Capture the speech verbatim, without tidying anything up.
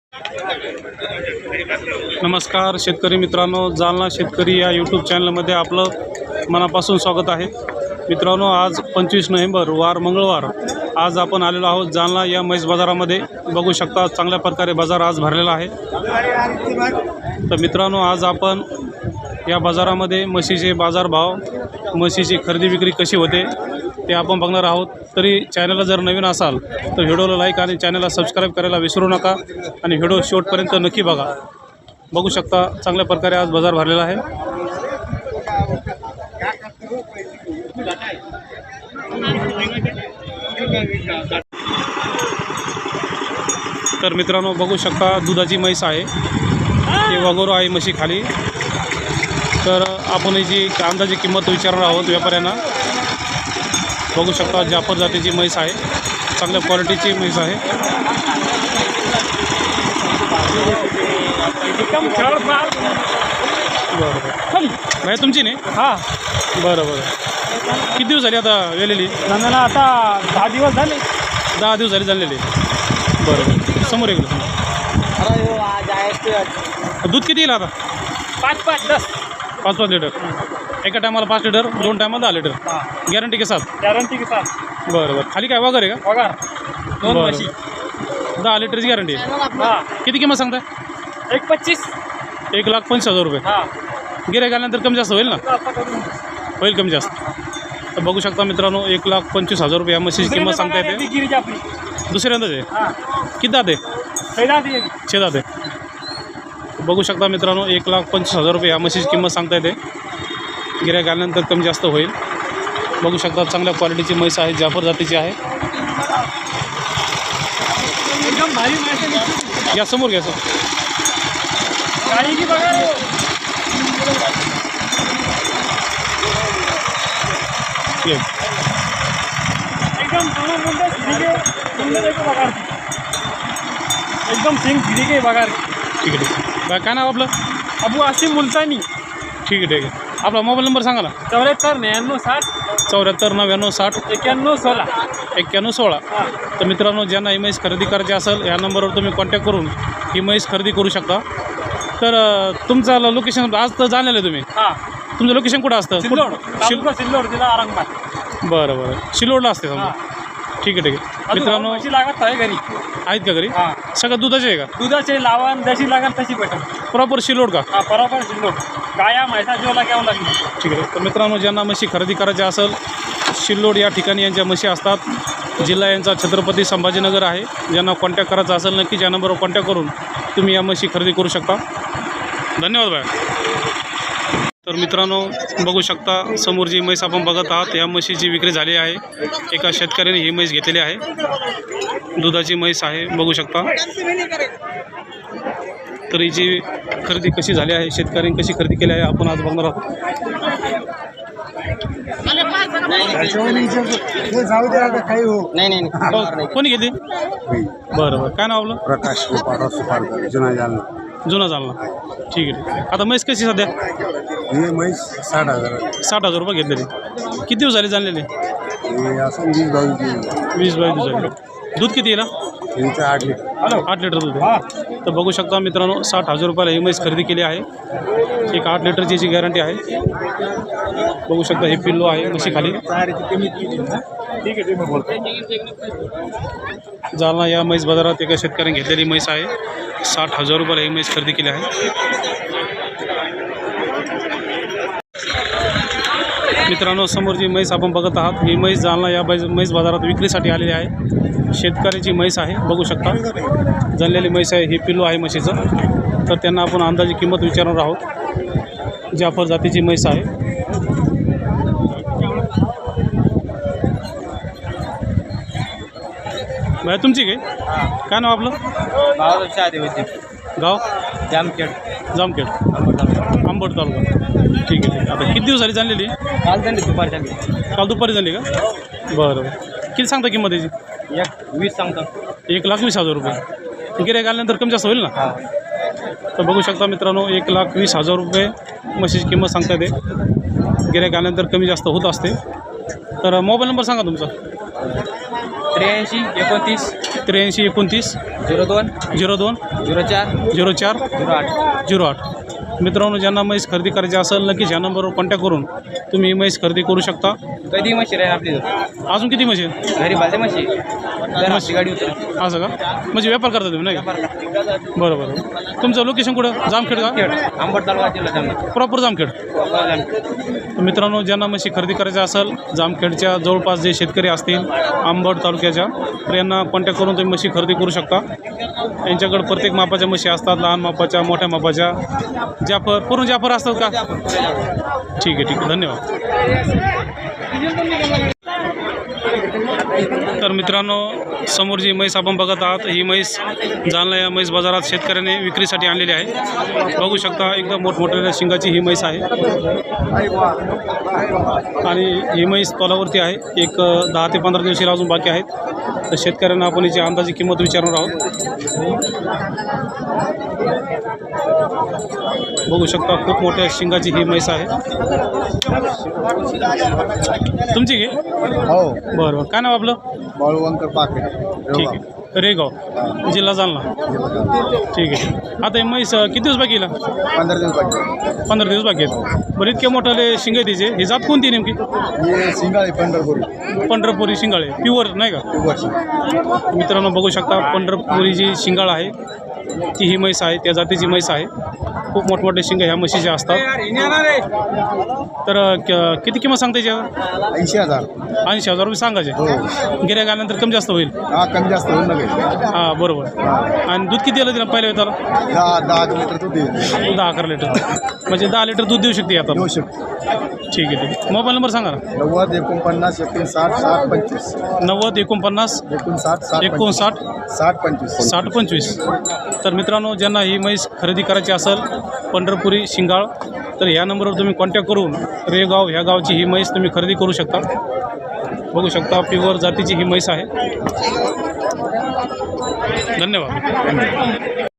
नमस्कार शेतकरी मित्रांनो, जालना शेतकरी या यूट्यूब चॅनलमध्ये आपलं मनापासून स्वागत आहे। मित्रांनो, आज पंचवीस नोव्हेंबर वार मंगळवार आज आपण आलेलो आहोत जालना या म्हैस बाजारामध्ये। बघू शकता चांगल्या प्रकारे बाजार आज भरलेला आहे। तर मित्रांनो, आज आपण या बाजारामध्ये म्हशीचे बाजारभाव, म्हशीची खरेदी विक्री कशी होते ते आपण बघणार आहोत। तरी चॅनलला जर नवीन असाल तर व्हिडिओला लाईक आणि चॅनलला सबस्क्राईब करायला विसरू नका आणि व्हिडिओ शेवटपर्यंत नक्की बघा। बघू शकता चांगल्या प्रकारे आज बाजार भरलेला आहे। तर मित्रांनो, बघू शकता दुधाची म्हैस आहे, हे वगोरो आहे म्हशी खाली। तर आपण याची अंदाजे किंमत विचारणार आहोत व्यापाऱ्यांना। बघू शकता जाफर जातीची म्हैस आहे, चांगल्या क्वालिटीची म्हैस आहे। बरं बरं भाई तुमची नाही? हां बरं बरं। किती दिवस झाले आता वेलेली? मला आता दहा दिवस झाले। दहा दिवस झाले झालेले। बरं बरं, समोर एक दूध किती येईल आता? पाच पाच दस पाच पाच लिटर एका टायमाला पाच लिटर, दोन टायमाला दहा लिटर गॅरंटी के साथ? गॅरंटी के साथ। बरं बरं, खाली काय वगैरे का? पगार दोन बरं, म्हशी दहा लिटरची गॅरंटी आहे। हां, किती किंमत सांगताय? एक पच्चीस एक लाख पंचवीस हजार रुपये। हां, गिऱ्हाईक आल्यानंतर कमी जास्त होईल ना? होईल कमी जास्त। तर बघू शकता मित्रांनो, एक लाख पंचवीस हजार रुपये या म्हशीची किंमत सांगता येते। गिरीची आपली दुसऱ्यांदाच आहे? हां, किती दाते? पहिला ती छे दाते। बघू शकता मित्रांनो, एक लाख पंचवीस हजार रुपये या म्हशीची किंमत सांगता येते। गिऱ्हाईक आल्यानंतर कमी जास्त होईल। बघू शकता चांगल्या क्वालिटीची म्हैस आहे, जाफर जातीची आहे। एकदम भारी म्हैस। या समोर घ्या सर। गाडी की बघा, एकदम दोनों मुंडे सीधे मुंडे देखो बघा, एकदम सिंग सीधे बघा। ठीक आहे ठीक आहे। काय नाव आपलं? अबू आसिम मुलतानी। ठीक आहे ठीक आहे। आपला मोबाईल नंबर सांगा ना? चौऱ्याहत्तर नव्याण्णव साठ चौऱ्याहत्तर नव्याण्णव साठ एक्क्याण्णव सोळा एक्क्याण्णव सोळा। तर मित्रांनो, ज्यांना ही म्हैस खरेदी करायची असेल या नंबरवर तुम्ही कॉन्टॅक्ट करून ही म्हैस खरेदी करू शकता। तर तुमचं लोकेशन आज तर जाणलेलं आहे तुम्ही? हां, तुमचं लोकेशन कुठं असतं? सिल्लोड शिल सिल्लोड जिल्हा औरंगाबाद। बरं बरं, शिलोडला असते समजा। ठीक आहे ठीक आहे मित्रांनो। म्हशी लागत आहे घरी? आहेत का घरी? हां, सगळं दुधाचे आहे का? दुधाचे लावण जशी लागेल तशी भेटेल। प्रॉपर शिलोड का? हां, बरोबर सिल्लोड। गाया म्हैसा जेवला घ्यावं लागेल। ठीक आहे। तर मित्रांनो, ज्यांना म्हशी खरेदी करायची असेल शिल्लोड या ठिकाणी यांच्या म्हशी असतात। जिल्हा यांचा छत्रपती संभाजीनगर आहे। ज्यांना कॉन्टॅक्ट करायचा असेल नक्की या नंबरवर कॉन्टॅक्ट करून तुम्ही या म्हशी खरेदी करू शकता। धन्यवाद बाय। तर मित्रांनो, बघू शकता समोर जी म्हैस आपण बघत आहात या म्हशीची विक्री झाली आहे। एका शेतकऱ्याने ही म्हैस घेतलेली आहे, दुधाची म्हैस आहे। बघू शकता तर हिची खरेदी कशी झाली आहे, शेतकऱ्यांनी कशी खरेदी केली आहे आपण आज बघणार आहोत। कोणी घेतली? बरं बरं, काय नाव आपलं? प्रकाश जुना जालना। जुना जालना। ठीक आहे ठीक आहे। आता म्हैस कशी सध्या? हे म्हैस साठ हजार साठ हजार रुपये घेतलेली। किती दिवस झाले जाणलेले? हे असं वीस बावीस वीस बावीस दिवस झाले। दूध किती येईल? त्यांचं आठ लिटर आठ लिटर दूध आहे। तर बघू शकता मित्रांनो, साठ हजार रुपयाला ही म्हैस खरेदी केली आहे। एक आठ लिटरची याची गॅरंटी आहे। बघू शकता हे पिल्लो आहे म्हशी खाली। ठीक आहे, जालना या म्हैस बाजारात एका शेतकऱ्याने घेतलेली म्हैस आहे। साठ हजार रुपयाला ही म्हैस खरेदी केली आहे। मित्रांनो, समोर जी म्हैस आपण बघत आहात ही म्हैस जालना या म्हैस बाजारात विक्रीसाठी आलेली आहे। शेतकऱ्याची म्हैस आहे, बघू शकता जनलेली म्हैस आहे। ही पिल्लू आहे म्हशीचं। तर त्यांना आपण अंदाजी किंमत विचारणार आहोत। जाफर जातीची म्हैस आहे। बाय तुमची काय? काय नाव आपलं? गाव? जामखेड जामखेड आंबट तालुका। ठीक आहे ठीक आहे। आता किती दिवस झाली जाणलेली? काल झाली दुपारी झाली। काल दुपारी झाली का? बरं बरं। किती सांगता किंमत याची? एक वीस सांगतो। एक लाख वीस हजार रुपये। गिऱ्हाईक आल्यानंतर कमी जास्त होईल ना? हां, तर बघू शकता मित्रांनो, एक लाख वीस हजार रुपये म्हशीची किंमत सांगता येते। गिऱ्हाईक आल्यानंतर कमी जास्त होत असते। तर मोबाईल नंबर सांगा तुमचा? त्र्याऐंशी एकोणतीस त्र्याऐंशी एकोणतीस झिरो दोन झिरो दोन झिरो चार झिरो चार झिरो आठ. झिरो आठ. मित्रांनो, ज्यांना म्हैस खरेदी करायची असेल नक्कीच ह्या नंबरवर कॉन्टॅक्ट करून तुम्ही ही म्हैस खरेदी करू शकता. कधी म्हशी राहील आपली अजून किती म्हशी आहेत? घरी बालते म्हशी म्हशी गाडी उतर असं का? म्हणजे व्यापार करता तुम्ही नाही का? बरं बरं. तुमचं लोकेशन कुठं? जामखेड का? आंबट तालुका जिल्हा जामखेड. प्रॉपर जामखेड. तर मित्रांनो, ज्यांना म्हशी खरेदी करायच्या असेल जामखेडच्या जवळपास जे शेतकरी असतील आंबड तालुक्याच्या, तर यांना कॉन्टॅक्ट करून तुम्ही म्हशी खरेदी करू शकता. यांच्याकडे प्रत्येक मापाच्या म्हशी असतात, लहान मापाच्या, मोठ्या मापाच्या, जाफर पूर्ण जाफर असतात का? ठीक आहे ठीक आहे, धन्यवाद. तर मित्रांनो, समोर जी म्हैस आपण बघत आहात ही म्हैस जालना या म्हैस बाजारात शेतकऱ्याने विक्रीसाठी आणलेली आहे. बघू शकता एकदम मोठमोठ्या शिंगाची ही म्हैस आहे आणि ही म्हैस तोलावरती आहे. एक दहा ते पंधरा दिवस हिला अजून बाकी आहेत. तर शेतकऱ्यांना आपण याची अंदाजी किंमत विचारणार आहोत. बघू शकता खूप मोठ्या शिंगाची ही म्हैस आहे. तुमची घे. हो. बरं बरं. काय नाव आपलं? बाळूवंकर पाके. ठीक आहे. रेगाव जिल्हा जालना. ठीक आहे. आता ही म्हैस किती दिवस बाकी येईल? पंधरा दिवस बाकी. पंधरा दिवस बाकी आहेत. बरं, इतके मोठाले शिंगे तिचे. ही जात कोणती नेमकी? हे सिंगाळे पंढरपुरी. पंढरपुरी शिंगाळे प्युअर नाही का? मित्रांनो, बघू शकता पंढरपुरी जी शिंगाळ आहे ती ही म्हैस आहे, त्या जातीची म्हैस आहे. खूप मोठमोठे शिंग ह्या म्हशीचे असतात. तर क- किती किंमत सांगता याची? ऐंशी हजार. ऐंशी हजार रुपये सांगायचे. हो. गिऱ्हाईक आल्यानंतर कमी जास्त होईल. हा, कमी जास्त होऊन नका. हां बरोबर. आणि दूध किती दिलं तिला पहिल्या वेळेला? दहा दहा लिटर दूध देऊ दहा अकरा लिटर. म्हणजे दहा लिटर दूध देऊ शकते आता. शकतो. ठीक आहे ठीक आहे. मोबाईल नंबर सांगा ना. नव्वद एकोणपन्नास एकोणसाठ साठ पंचवीस. नव्वद एकोणपन्नास एकोणसाठ साठ एकोणसाठ साठ पंचवीस. साठ पंचवीस. तर मित्रांनो, ज्यांना ही म्हैस खरेदी करायची असेल पंढरपुरी शिंगाळ, तर ह्या नंबरवर तुम्ही कॉन्टॅक्ट करून रेगाव ह्या गावची ही म्हैस तुम्ही खरेदी करू शकता. बघू शकता प्युअर जातीची ही म्हैस आहे. धन्यवाद.